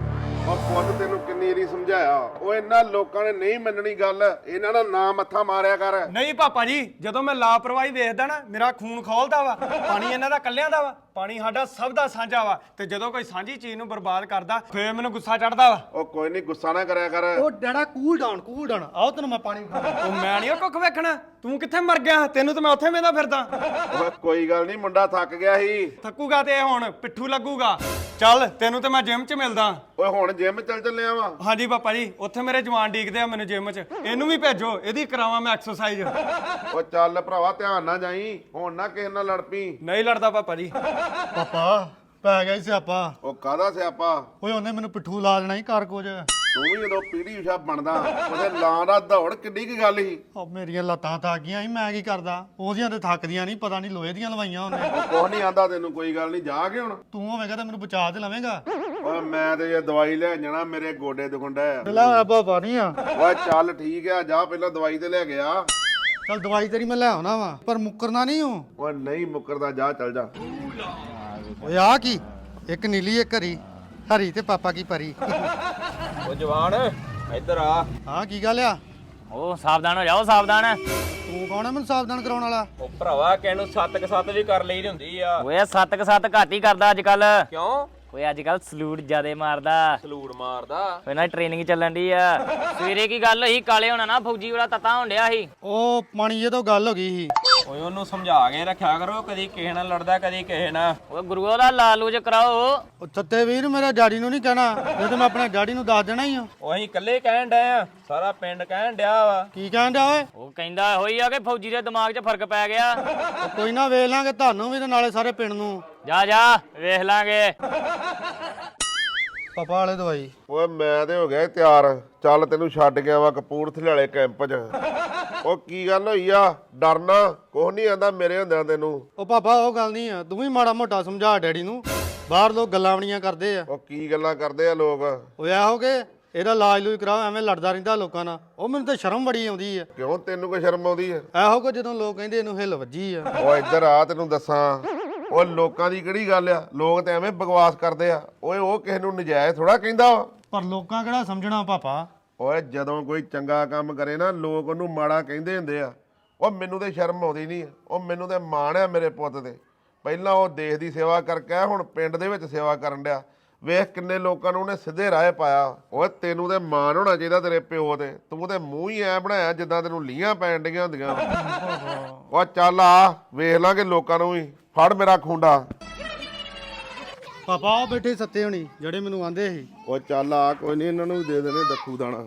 S1: ਉਹ ਪੁੱਤ ਤੈਨੂੰ ਕਿੰਨੀ ਵਾਰੀ ਸਮਝਾਇਆ, ਉਹ ਇਹਨਾਂ ਲੋਕਾਂ ਨੇ ਨਹੀਂ ਮੰਨਣੀ ਗੱਲ। ਇਹਨਾਂ ਦਾ ਨਾਂ ਮੱਥਾ ਮਾਰਿਆ ਕਰ।
S2: ਨਹੀਂ ਪਾਪਾ ਜੀ, ਜਦੋਂ ਮੈਂ ਲਾਪਰਵਾਹੀ ਵੇਖਦਾ ਨਾ, ਮੇਰਾ ਖੂਨ ਖੋਲਦਾ ਵਾ। ਪਾਣੀ ਇਹਨਾਂ ਦਾ ਕੱਲਿਆਂ ਦਾ ਵਾ, ਪਾਣੀ ਸਾਡਾ ਸਭ ਦਾ ਸਾਂਝਾ ਵਾ। ਤੇ ਜਦੋਂ ਕੋਈ ਸਾਂਝੀ ਚੀਜ਼ ਨੂੰ ਬਰਬਾਦ ਕਰਦਾ ਫੇਰ ਮੈਨੂੰ ਗੁੱਸਾ ਚੜਦਾ ਵਾ।
S1: ਉਹ ਕੋਈ ਨਹੀਂ, ਗੁੱਸਾ ਨਾ ਕਰਿਆ ਕਰ।
S3: ਉਹ ਡੈਡਾ ਕੂਲ ਡਾਊਨ। ਆਓ ਤੈਨੂੰ ਮੈਂ ਪਾਣੀ ਵਿਖਾਵਾਂ।
S2: ਉਹ ਮੈਂ ਨਹੀਂ ਕੁੱਖ ਵੇਖਣਾ, ਤੂੰ ਕਿੱਥੇ ਮਰ ਗਿਆ? ਤੈਨੂੰ ਤਾਂ ਮੈਂ ਉੱਥੇ ਵੇਂਦਾ ਫਿਰਦਾ।
S1: ਓਏ ਕੋਈ ਗੱਲ ਨਹੀਂ, ਮੁੰਡਾ ਥੱਕ ਗਿਆ ਸੀ।
S2: ਥੱਕੂਗਾ ਤੇ ਇਹ ਹੁਣ ਪਿੱਠੂ ਲੱਗੂਗਾ। ਚੱਲ ਤੈਨੂੰ ਤੇ ਮੈਂ ਜਿਮ 'ਚ ਮਿਲਦਾ।
S1: ਓਏ ਹੁਣ ਜਿਮ ਚੱਲ ਚੱਲਿਆ ਵਾ।
S2: ਹਾਂਜੀ ਪਾਪਾ ਜੀ, ਉੱਥੇ ਮੇਰੇ ਜਵਾਨ ਡੀਕਦੇ ਆ ਮੈਨੂੰ ਜਿਮ 'ਚ। ਇਹਨੂੰ ਵੀ ਭੇਜੋ, ਇਹਦੀ ਕਰਾਵਾਂ ਮੈਂ ਐਕਸਰਸਾਈਜ਼।
S1: ਉਹ ਚੱਲ ਭਰਾਵਾ, ਧਿਆਨ ਨਾਲ ਜਾਈ, ਹੁਣ ਨਾ ਕਿਸੇ ਨਾਲ ਲੜ ਪਈ।
S2: ਨਹੀਂ ਲੜਦਾ ਪਾਪਾ ਜੀ।
S3: ਪਾਪਾ ਪੈ ਗਿਆ ਸੀ ਸਿਆਪਾ।
S1: ਉਹ ਕਾਹਦਾ ਸਿਆਪਾ?
S3: ਓਏ ਉਹਨੇ ਮੈਨੂੰ ਪਿੱਠੂ ਲਾ ਦੇਣਾ ਹੀ ਕਰ ਕੁਝ।
S1: ਤੂੰ ਵੀ ਜਦੋਂ ਪੀੜੀ ਉਸ਼ਾ ਬਣਦਾ ਉਹਦੇ ਲਾਂ ਦਾ ਦੌੜ ਕਿੱਡੀ ਕੀ ਗੱਲ ਸੀ।
S3: ਉਹ ਮੇਰੀਆਂ ਲੱਤਾਂ ਥੱਕ ਗਈਆਂ ਸੀ, ਮੈਂ ਕੀ ਕਰਦਾ? ਉਹਦੀਆਂ ਤੇ ਥੱਕਦੀਆਂ ਨਹੀਂ, ਪਤਾ ਨਹੀਂ ਲੋਹੇ ਦੀਆਂ ਲਵਾਈਆਂ ਉਹਨੇ।
S1: ਉਹ ਕੁਛ ਨਹੀਂ ਆਂਦਾ ਤੈਨੂੰ, ਕੋਈ ਗੱਲ ਨਹੀਂ, ਜਾ ਕੇ ਹੁਣ।
S3: ਤੂੰ ਹੋਵੇਂਗਾ ਤਾਂ ਮੈਨੂੰ ਬਚਾ ਤੇ ਲਵੇਂਗਾ।
S1: ਓਏ ਮੈਂ ਤੇ ਇਹ ਦਵਾਈ ਲੈ ਜਾਣਾ, ਮੇਰੇ ਗੋਡੇ ਦੁਖੰਡਾ ਆ।
S3: ਲੈ ਬਾਬਾ ਨਹੀਂ ਆ।
S1: ਓਏ ਚੱਲ ਠੀਕ ਆ, ਜਾ ਪਹਿਲਾਂ ਦਵਾਈ ਤੇ ਲੈ ਗਿਆ।
S3: ਚੱਲ ਦਵਾਈ ਤੇਰੀ ਮੈਂ ਲੈ ਆਉਣਾ ਵਾ, ਪਰ ਮੁੱਕਰਨਾ ਨਹੀਂ ਹੂੰ।
S1: ਓਏ ਨਹੀਂ ਮੁੱਕਰਦਾ, ਜਾ ਚੱਲ ਜਾ।
S3: ਓਏ ਆ ਕੀ? ਇੱਕ ਨੀਲੀ ਇੱਕ ਹਰੀ, ਹਰੀ ਤੇ ਪਾਪਾ ਕੀ ਪਰੀ।
S7: ਉਹ ਜਵਾਨ ਇੱਧਰ ਆ।
S3: ਹਾਂ ਕੀ ਗੱਲ ਆ?
S7: ਉਹ ਸਾਵਧਾਨ ਹੋ ਜਾਓ, ਸਾਵਧਾਨ।
S3: ਤੂੰ ਕੌਣ ਆ ਮੈਨੂੰ ਸਾਵਧਾਨ ਕਰਾਉਣ ਵਾਲਾ?
S7: ਉਹ ਭਰਾਵਾ ਕਿਹਨੂੰ ਸੱਤ ਵੀ ਕਰ ਲਈ ਹੁੰਦੀ ਆ।
S8: ਓਏ ਸੱਤ ਘੱਟ ਹੀ ਕਰਦਾ ਅੱਜ ਕੱਲ।
S7: ਕਿਉਂ?
S8: ਓਏ ਅੱਜ ਕੱਲ ਸਲੂਟ ਜਿਆਦੇ ਮਾਰਦਾ।
S7: ਸਲੂਟ ਮਾਰਦਾ?
S8: ਓਏ ਨਾ ਟ੍ਰੇਨਿੰਗ ਚੱਲਣ ਦੀ ਆ। ਸਵੇਰੇ ਕੀ ਗੱਲ ਹੋਈ, ਕਾਲੇ ਹੋਣਾ ਨਾ ਫੌਜੀ ਵਾਲਾ ਤਤਾ ਹੋਣ ਡਿਆ ਸੀ।
S3: ਉਹ ਪਾਣੀ ਇਹ ਤੋਂ ਗੱਲ ਹੋ ਗਈ ਸੀ।
S7: ਓਏ ਉਹਨੂੰ ਸਮਝਾ ਕੇ ਰੱਖਿਆ ਕਰੋ, ਕਦੀ ਕਿਸੇ ਨਾਲ ਲੜਦਾ ਕਦੀ ਕਿਸੇ ਨਾਲ।
S8: ਉਹ ਗੁਰੂਆ ਦਾ ਲਾਲੂਜ ਕਰਾਓ।
S3: ਉਹ ਸੱਤੇ ਵੀਰ ਮੇਰੇ ਡੈਡੀ ਨੂੰ ਨਹੀਂ ਕਹਿਣਾ, ਇਹ ਤਾਂ ਮੈਂ ਆਪਣੇ ਡੈਡੀ ਨੂੰ ਦੱਸ ਦੇਣਾ ਹੀ ਆ।
S7: ਉਹ ਅਸੀਂ ਇਕੱਲੇ ਕਹਿਣ ਡਏ ਆ, ਸਾਰਾ ਪਿੰਡ ਕਹਿਣ ਡਿਆ ਵਾ।
S3: ਕੀ ਕਹਿਣ ਡਿਆ ਓਏ?
S8: ਉਹ ਕਹਿੰਦਾ ਹੋਈ ਆ ਕਿ ਫੌਜੀ ਦੇ ਦਿਮਾਗ 'ਚ ਫਰਕ ਪੈ ਗਿਆ।
S3: ਉਹ ਕੋਈ ਨਾ ਵੇਖ ਲਾਂਗੇ ਤੁਹਾਨੂੰ ਵੀ ਤੇ ਨਾਲੇ ਸਾਰੇ ਪਿੰਡ ਨੂੰ।
S8: ਜਾ ਜਾ ਵੇਖ ਲਾਂਗੇ।
S3: ਪਾਪਾ ਵਾਲੇ ਦਵਾਈ।
S1: ਓਏ ਮੈਂ ਤੇ ਹੋ ਗਿਆ ਈ ਤਿਆਰ, ਚੱਲ ਤੈਨੂੰ ਛੱਡ ਗਿਆ ਵਾ ਕਪੂਰਥਲੇ ਵਾਲੇ ਕੈਂਪ 'ਚ। ਉਹ ਕੀ ਗੱਲ ਹੋਈ ਆ? ਡਰਨਾ ਕੁਛ ਨਹੀਂ ਆਂਦਾ ਮੇਰੇ ਹੁੰਦਿਆਂ ਤੈਨੂੰ।
S3: ਉਹ ਪਾਪਾ ਉਹ ਗੱਲ ਨਹੀਂ ਆ, ਤੂੰ ਵੀ ਮਾੜਾ ਮੋਟਾ ਸਮਝਾ ਡੈਡੀ ਨੂੰ। ਬਾਹਰ ਲੋਕ ਗੱਲਾਂ ਬਣੀਆਂ ਕਰਦੇ ਆ।
S1: ਉਹ ਕੀ ਗੱਲਾਂ ਕਰਦੇ ਆ ਲੋਕ?
S3: ਉਹ ਇਹੋ ਕਿ ਇਹਦਾ ਇਲਾਜ ਲੂਜ ਕਰਾਓ, ਐਵੇਂ ਲੜਦਾ ਰਹਿੰਦਾ ਲੋਕਾਂ ਨਾਲ। ਉਹ ਮੈਨੂੰ ਤਾਂ ਸ਼ਰਮ ਬੜੀ ਆਉਂਦੀ ਆ।
S1: ਕਿਉਂ ਤੈਨੂੰ ਕੋਈ ਸ਼ਰਮ ਆਉਂਦੀ ਹੈ?
S3: ਇਹੋ ਕਿ ਜਦੋਂ ਲੋਕ ਕਹਿੰਦੇ ਇਹਨੂੰ ਹਿੱਲ ਵੱਜੀ ਆ।
S1: ਓ ਇੱਧਰ ਆ, ਤੈਨੂੰ ਦੱਸਾਂ। ਉਹ ਲੋਕਾਂ ਦੀ ਕਿਹੜੀ ਗੱਲ ਆ, ਲੋਕ ਤੇ ਐਵੇਂ ਬਕਵਾਸ ਕਰਦੇ ਆ। ਓਏ ਉਹ ਕਿਸੇ ਨੂੰ ਨਜਾਇਜ਼ ਥੋੜਾ ਕਹਿੰਦਾ ਵਾ।
S3: ਪਰ ਲੋਕਾਂ ਕਿਹੜਾ ਸਮਝਣਾ ਪਾਪਾ।
S1: ਓਏ ਜਦੋਂ ਕੋਈ ਚੰਗਾ ਕੰਮ ਕਰੇ ਨਾ ਲੋਕ ਉਹਨੂੰ ਮਾੜਾ ਕਹਿੰਦੇ ਹੁੰਦੇ ਆ। ਉਹ ਮੈਨੂੰ ਤੇ ਸ਼ਰਮ ਆਉਂਦੀ ਨਹੀਂ, ਉਹ ਮੈਨੂੰ ਤੇ ਮਾਣ ਆ ਮੇਰੇ ਪੁੱਤ ਤੇ। ਪਹਿਲਾਂ ਉਹ ਦੇਸ਼ ਦੀ ਸੇਵਾ ਕਰਕੇ ਹੁਣ ਪਿੰਡ ਦੇ ਵਿੱਚ ਸੇਵਾ ਕਰਨ ਡਿਆ। ਵੇਖ ਕਿੰਨੇ ਲੋਕਾਂ ਨੂੰ ਉਹਨੇ ਸਿੱਧੇ ਰਾਹ ਪਾਇਆ। ਓਏ ਤੈਨੂੰ ਤੇ ਮਾਣ ਹੋਣਾ ਚਾਹੀਦਾ ਤੇਰੇ ਪਿਓ ਤੇ। ਤੂੰ ਤੇ ਮੂੰਹ ਹੀ ਐ ਬਣਾਇਆ ਜਿੱਦਾਂ ਤੈਨੂੰ ਲੀਆਂ ਪੈਣ ਡੀਆਂ ਹੁੰਦੀਆਂ। ਓ ਚੱਲ ਆ ਵੇਖ ਲਾਂਗੇ ਲੋਕਾਂ ਨੂੰ ਵੀ। ਫੜ ਮੇਰਾ ਖੁੰਡਾ।
S3: ਪਾਪਾ ਉਹ ਬੈਠੇ ਸੱਤੇ ਹੋਣੀ ਜਿਹੜੇ ਮੈਨੂੰ ਆਂਦੇ ਸੀ।
S1: ਓ ਚੱਲ ਆ, ਕੋਈ ਨਹੀਂ ਇਹਨਾਂ ਨੂੰ ਵੀ ਦੇ ਦੇਣੇ ਦੱਖੂ ਦਾਣਾ।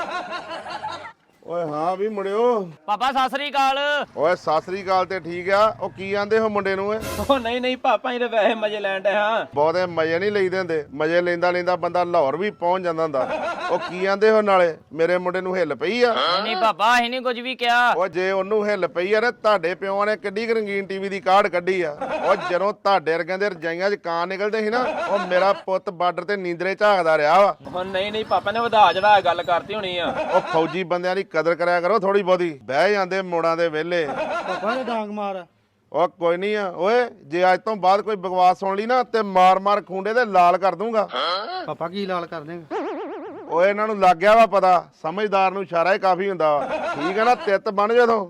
S1: ਓਏ ਹਾਂ ਵੀ ਮੁੰਡਿਓ।
S8: ਪਾਪਾ ਸਤਿ ਸ੍ਰੀ ਅਕਾਲ।
S1: ਓਏ ਸਤਿ ਸ੍ਰੀ ਅਕਾਲ ਤੇ ਠੀਕ ਆ। ਉਹ ਕੀ ਆਂਦੇ ਹੋ ਮੁੰਡੇ ਨੂੰ?
S7: ਉਹ ਨਹੀਂ ਨਹੀਂ ਪਾਪਾ, ਇਹਦੇ ਵੈਸੇ ਮਜ਼ੇ ਲੈਣ ਡਏ ਹਾਂ।
S1: ਬਹੁਤੇ ਮਜ਼ੇ ਨਹੀਂ ਲਈਦੇ ਹੁੰਦੇ, ਮਜ਼ੇ ਲੈਂਦਾ ਲੈਂਦਾ ਬੰਦਾ ਲਾਹੌਰ ਵੀ ਪਹੁੰਚ ਜਾਂਦਾ ਹੁੰਦਾ। ਉਹ ਕੀ ਆਂਦੇ ਹੋ ਨਾਲੇ? ਮੇਰੇ ਮੁੰਡੇ ਨੂੰ ਹਿੱਲ ਪਈ ਆ?
S8: ਨਹੀਂ ਪਾਪਾ ਅਸੀਂ ਨਹੀਂ ਕੁਝ ਵੀ ਕਿਹਾ।
S1: ਉਹ ਜੇ ਉਹਨੂੰ ਹਿੱਲ ਪਈ ਆ ਨਾ, ਤੁਹਾਡੇ ਪਿਓਾਂ ਨੇ ਕਿੱਡੀ ਕੁ ਰੰਗੀਨ ਟੀਵੀ ਦੀ ਕਾਢ ਕੱਢੀ ਆ। ਉਹ ਜਦੋਂ ਤੁਹਾਡੇ ਵਰਗਿਆਂ ਦੇ ਰਜਾਈਆਂ 'ਚ ਕਾਂ ਨਿਕਲਦੇ ਸੀ ਨਾ, ਉਹ ਮੇਰਾ ਪੁੱਤ ਬਾਰਡਰ ਤੇ ਨੀਂਦਰੇ ਝਾਕਦਾ ਰਿਹਾ ਵਾ।
S7: ਉਹ ਨਹੀਂ ਨਹੀਂ ਪਾਪਾ ਨੇ ਵਧਾ ਚੜਾ ਗੱਲ ਕਰਤੀ ਹੋਣੀ ਆ।
S1: ਉਹ ਫੌਜੀ ਬੰਦਿਆਂ ਦੀ ਕਦਰ ਕਰਿਆ ਕਰੋ ਥੋੜੀ ਬਹੁਤੀ। ਬਹਿ ਜਾਂਦੇ ਮੋੜਾਂ ਦੇ ਵਿਹਲੇ।
S3: ਪਾਪਾ ਨੇ ਡਾਂਗ ਮਾਰ।
S1: ਉਹ ਕੋਈ ਨਹੀਂ ਆ ਓਏ, ਜੇ ਅੱਜ ਤੋਂ ਬਾਅਦ ਕੋਈ ਬਕਵਾਸ ਸੁਣ ਲਈ ਨਾ ਤੇ ਮਾਰ ਮਾਰ ਖੁੰਡੇ ਤੇ ਲਾਲ ਕਰ ਦੂੰਗਾ।
S3: ਪਾਪਾ ਕੀ ਲਾਲ ਕਰ ਦੇਂਗਾ?
S1: ਓਏ ਇਹਨਾਂ ਨੂੰ ਲੱਗ ਗਿਆ ਵਾ ਪਤਾ, ਸਮਝਦਾਰ ਨੂੰ ਇਸ਼ਾਰਾ ਹੀ ਕਾਫੀ ਹੁੰਦਾ ਵਾ। ਠੀਕ ਹੈ ਨਾ, ਤਿੱਤ ਬਣ ਜਦੋਂ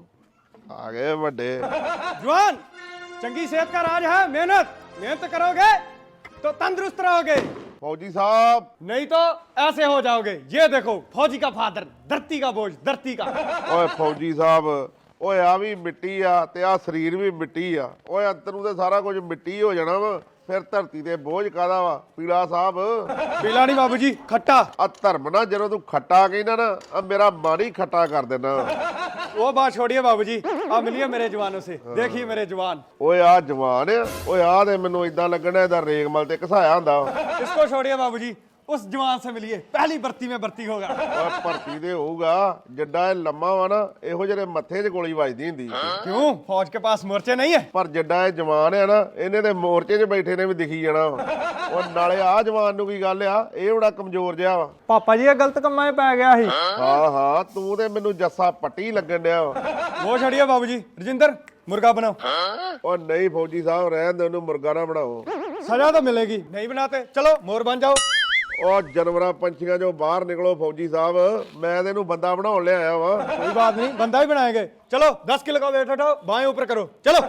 S1: ਆ ਗਏ ਵੱਡੇ।
S2: जवान, चंगी सेहत का राज है मेहनत। मेहनत करोगे तो तंदुरुस्त रहोगे,
S1: ਫੌਜੀ ਸਾਹਿਬ।
S2: नहीं तो ऐसे हो जाओगे। ये देखो फौजी का फादर, धरती का बोझ, धरती का।
S1: ਓਏ ਫੌਜੀ ਸਾਹਿਬ, ਓਏ ਆ ਵੀ ਮਿੱਟੀ ਆ ਤੇ ਆ ਸਰੀਰ ਵੀ ਮਿੱਟੀ ਆ। ਓਏ ਅੰਦਰ ਨੂੰ ਤੇ ਸਾਰਾ ਕੁਝ ਮਿੱਟੀ ਹੋ ਜਾਣਾ ਵਾ, ਫਿਰ ਧਰਤੀ ਤੇ ਬੋਝ ਕਾਦਾ ਵਾ? ਪੀਲਾ ਸਾਹਿਬ
S2: पीला नहीं बाबूजी, खट्टा।
S1: ਆ ਧਰਮ ਨਾ, ਜਦੋਂ ਤੂੰ ਖੱਟਾ ਕਹਿੰਦਾ ਨਾ, ਆ ਮੇਰਾ ਮਨ ਹੀ ਖੱਟਾ ਕਰ ਦੇਣਾ।
S2: वो बात छोड़िए बाबूजी, आप मिलिए मेरे जवानों से। देखिए मेरे जवान।
S1: ਓਏ ਆ ਜਵਾਨ ਆ। ਓਏ ਆ ਤੇ ਮੈਨੂੰ ਇਦਾਂ ਲੱਗਣਾ ਇਹਦਾ ਰੇਗਮਲ ਤੇ ਘਸਾਇਆ ਹੁੰਦਾ।
S2: इसको छोड़िए बाबूजी, उस जवान से मिलिए, पहली भर्ती में भर्ती होगा।
S1: ਓਏ ਭਰਤੀ ਦੇ ਹੋਊਗਾ, ਜਿੱਡਾ ਇਹ ਲੰਮਾ ਵਾ ਨਾ, ਇਹੋ ਜਿਹੇ ਮੱਥੇ 'ਚ ਗੋਲੀ ਵੱਜਦੀ ਹੁੰਦੀ।
S2: क्यों, फौज के पास मोर्चे नहीं है?
S1: ਪਰ ਜਿੱਡਾ ਇਹ ਜਵਾਨ ਆ ਨਾ, ਇਹਨੇ ਤੇ ਮੋਰਚੇ 'ਚ ਬੈਠੇ ਨੇ ਵੀ ਦਿਖੀ ਜਾਣਾ ਵਾ। ਉਹ ਨਾਲੇ ਆ ਜਵਾਨ ਨੂੰ ਕੀ ਗੱਲ ਆ, ਇਹ ਬੜਾ ਕਮਜ਼ੋਰ ਜਿਹਾ ਵਾ।
S2: पापा जी ये गलत कमा में पै गया ही।
S1: ਹਾਂ ਹਾਂ, ਤੂੰ ਤੇ ਮੈਨੂੰ ਜੱਸਾ ਪੱਟੀ ਲੱਗਣ ਡਿਆ ਵਾ।
S2: वो छोड़िए बाबूजी, रजिंदर मुर्गा बनाओ।
S1: ਉਹ ਨਹੀਂ ਫੌਜੀ ਸਾਹਿਬ, ਰਹਿਣ ਦੇ, ਉਹਨੂੰ ਮੁਰਗਾ ਨਾ ਬਣਾਓ।
S2: सजा तो मिलेगी, नहीं बनाते चलो मोर बन जाओ।
S1: ਉਹ ਜਾਨਵਰਾਂ ਪੰਛੀਆਂ 'ਚੋਂ ਬਾਹਰ ਨਿਕਲੋ ਫੌਜੀ ਸਾਹਿਬ, ਮੈਂ ਤੇ ਇਹਨੂੰ ਬੰਦਾ ਬਣਾਉਣ ਲਿਆਇਆ ਵਾ।
S2: कोई बात नहीं, बंदा ही बनाएंगे। चलो 10 किलो का वेट उठाओ, बाएं ऊपर करो, चलो।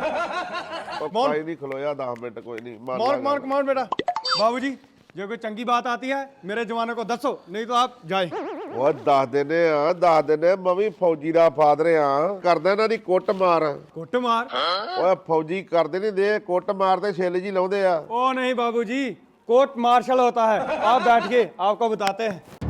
S1: ਉਹ ਭਾਈ ਨਹੀਂ ਖਲੋਇਆ 10 ਮਿੰਟ, ਕੋਈ ਨਹੀਂ
S2: मार मार बेटा। बाबूजी जो कोई चंगी बात आती है मेरे जवानों को दसो, नहीं तो आप जाए।
S1: ਉਹ ਦੱਸ ਦਿੰਦੇ ਆ, ਦੱਸ ਦਿੰਦੇ। ਮੈਂ ਵੀ ਫੌਜੀ ਦਾ ਫਾਦਰ ਆ, ਕਰਦਾ ਇਹਨਾਂ ਦੀ ਕੁੱਟ ਮਾਰ।
S2: कुट मार?
S1: ਓਏ ਫੌਜੀ ਕਰਦੇ ਨਹੀਂ ਦੇ, ਕੁੱਟ ਮਾਰ ਤੇ ਛਿੱਲ ਜੀ ਲਾਉਂਦੇ ਆ।
S2: ओ नहीं बाबूजी, कोर्ट मार्शल होता है। आप बैठिए, आपको बताते हैं।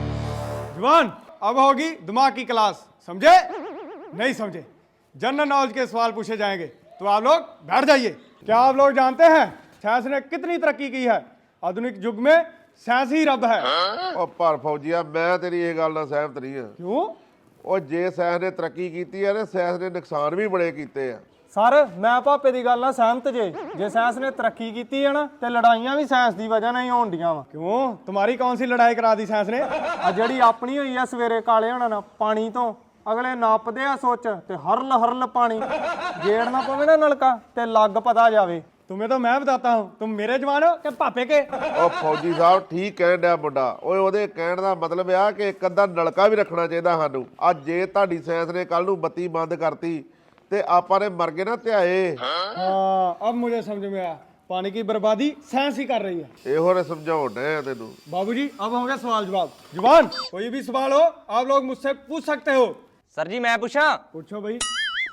S2: जवान, अब होगी दिमाग की क्लास, समझे? नहीं समझे? जनरल नॉलेज के सवाल पूछे जाएंगे, तो आप लोग बैठ जाइए। क्या आप लोग जानते हैं साइंस ने कितनी तरक्की की है? आधुनिक युग में साइंस ही रब है।
S1: ਉਹ ਪਰ ਫੌਜੀਆ, ਮੈਂ ਤੇਰੀ ਇਹ ਗੱਲ ਨਾਲ ਸਹਿਮਤ ਨਹੀਂ ਆ।
S2: क्यों?
S1: ਉਹ ਜੇ ਸਾਇੰਸ ਨੇ ਤਰੱਕੀ ਕੀਤੀ ਆ ਨਾ, ਸਾਇੰਸ ਨੇ ਨੁਕਸਾਨ ਵੀ ਬੜੇ ਕੀਤੇ ਆ।
S6: ਸਰ ਮੈਂ ਭਾਪੇ ਦੀ ਗੱਲ ਨਾਲ ਸਹਿਮਤ ਜੇ ਸਾਇੰਸ ਨੇ ਤਰੱਕੀ ਕੀਤੀ ਹੈ ਨਾ ਤੇ ਲੜਾਈਆਂ ਵੀ ਸਾਇੰਸ ਦੀ ਵਜ੍ਹਾ ਨਾਲ ਹੀ ਹੋਣ ਡੀਆਂ ਵਾ।
S2: क्यों, तुम्हारी कौन सी लड़ाई करा दी साइंस ने?
S6: ਆ ਜਿਹੜੀ ਆਪਣੀ ਹੋਈ ਆ ਸਵੇਰੇ ਕਾਲੇ ਹੋਣਾ ਨਾ ਪਾਣੀ ਤੋਂ, ਅਗਲੇ ਨਾਪਦੇ ਆ ਸੋਚ ਤੇ ਹਰਲ ਹਰਲ ਪਾਣੀ ਗੇੜ ਨਾ ਪਵੇ ਨਾ ਨਲਕਾ ਤੇ ਲੱਗ ਪਤਾ ਜਾਵੇ।
S2: तुम्हें तो मैं बताता हूँ, तुम मेरे जवान हो कि पापे के?
S1: ਉਹ ਫੌਜੀ ਸਾਹਿਬ ਠੀਕ ਕਹਿਣ ਡਿਆ ਮੁੰਡਾ। ਓਏ ਉਹਦੇ ਕਹਿਣ ਦਾ ਮਤਲਬ ਆ ਕਿ ਇੱਕ ਅੱਧਾ ਨਲਕਾ ਵੀ ਰੱਖਣਾ ਚਾਹੀਦਾ ਸਾਨੂੰ। ਅੱਜ ਜੇ ਤੁਹਾਡੀ ਸਾਇੰਸ ਨੇ ਕੱਲ ਨੂੰ ਬੱਤੀ ਬੰਦ ਕਰਤੀ ਤੇ ਆਪਾਂ ਨੇ ਮਰ ਗਏ ਨਾ ਧਿਆਏ।
S2: हाँ, अब मुझे समझ में आया, पानी की बर्बादी साइंस ही कर रही है।
S1: ਇਹੋ ਨੇ ਸਮਝਾਉਣ ਡਿਆ ਤੈਨੂੰ।
S2: बाबूजी अब होंगे सवाल जवाब। जवान, कोई भी सवाल हो आप लोग मुझसे पूछ सकते हो।
S7: ਸਰ ਜੀ ਮੈਂ ਪੁੱਛਾਂ?
S2: पूछो भाई।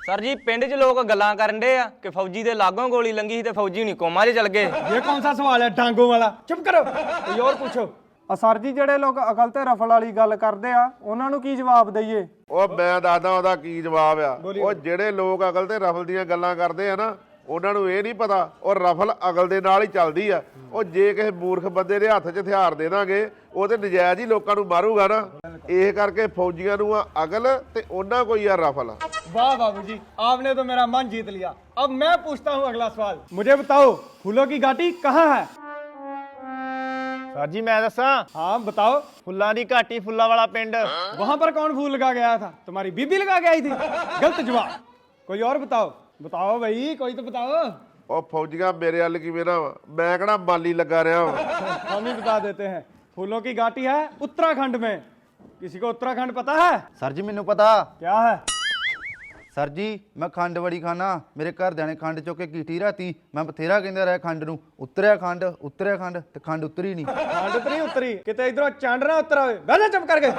S7: ਸਰ ਜੀ ਪਿੰਡ 'ਚ ਲੋਕ ਗੱਲਾਂ ਕਰਨ ਡੇ ਆ ਕਿ ਫੌਜੀ ਦੇ ਲਾਗੋਂ ਗੋਲੀ ਲੰਗੀ ਸੀ ਤੇ ਫੌਜੀ ਹੁਣੀ ਕੋਮਾ 'ਚ ਚਲ ਗਏ।
S2: ये कौन सा सवाल है डांगों वाला? चुप करो, कोई और पूछो।
S6: ਸਰ ਜੀ ਜਿਹੜੇ ਲੋਕ ਅਕਲ ਤੇ ਰਫਲ ਵਾਲੀ ਗੱਲ ਕਰਦੇ ਆ ਉਹਨਾਂ ਨੂੰ ਕੀ ਜਵਾਬ ਦਈਏ?
S1: ਉਹ ਮੈਂ ਦੱਸਦਾ ਉਹਦਾ ਕੀ ਜਵਾਬ ਆ। ਉਹ ਜਿਹੜੇ ਲੋਕ ਅਕਲ ਤੇ ਰਫਲ ਦੀਆਂ ਗੱਲਾਂ ਕਰਦੇ ਆ ਨਾ, ਉਹਨਾਂ ਨੂੰ ਇਹ ਨਹੀਂ ਪਤਾ ਉਹ ਰਫਲ ਅਕਲ ਦੇ ਨਾਲ ਹੀ ਚੱਲਦੀ ਆ। ਉਹ ਜੇ ਕਿਸੇ ਮੂਰਖ ਬੰਦੇ ਦੇ ਹੱਥ 'ਚ ਹਥਿਆਰ ਦੇ ਦਾਂਗੇ ਉਹ ਤੇ ਨਜਾਇਜ਼ ਹੀ ਲੋਕਾਂ ਨੂੰ ਮਾਰੂਗਾ ਨਾ। ਇਹ ਕਰਕੇ ਫੌਜੀਆਂ ਨੂੰ ਆ ਅਕਲ ਤੇ ਉਹਨਾਂ ਕੋਈ ਆ ਰਫਲ।
S2: वाह बाबूजी, आपने तो मेरा मन जीत लिया। अब मैं पूछता हूँ अगला सवाल। मुझे बताओ फूलों की घाटी कहाँ है?
S6: ਸਰ ਜੀ ਮੈਂ ਦੱਸਾਂ,
S2: हाँ बताओ।
S6: ਫੁੱਲਾਂ ਦੀ ਘਾਟੀ ਫੁੱਲਾਂ ਵਾਲਾ ਪਿੰਡ।
S2: वहां पर कौन फूल लगा के आया था? तुम्हारी बीबी लगा के आई थी? गलत जवाब। कोई और बताओ, बताओ भाई, कोई तो बताओ।
S1: ਉਹ ਫੌਜੀਆਂ ਮੇਰੇ ਵੱਲ ਕਿਵੇਂ ਨਾ ਵਾ? ਮੈਂ ਕਿਹੜਾ ਮਾਲੀ ਲੱਗਾ ਰਿਹਾ ਵਾ।
S2: हम ही बता देते हैं। फूलों की घाटी है उत्तराखंड में। किसी को उत्तराखंड पता है?
S9: ਸਰ ਜੀ ਮੈਨੂੰ ਪਤਾ।
S2: क्या है?
S9: ਸਰ ਜੀ ਮੈਂ ਖੰਡ ਬੜੀ ਖਾਣਾ। ਮੇਰੇ ਘਰਦਿਆਂ ਨੇ ਖੰਡ ਚੁੱਕ ਕੇ ਕੀਤੀ ਰਾਤੀ। ਮੈਂ ਬਥੇਰਾ ਕਹਿੰਦਾ ਰਿਹਾ ਖੰਡ ਨੂੰ, ਉਤਰਿਆ ਖੰਡ ਤੇ ਖੰਡ ਉਤਰੀ ਨਹੀਂ।
S2: खंड तो नहीं उतरी, किते इधरों चंड ना उतरा होए। बैठे चुप करके।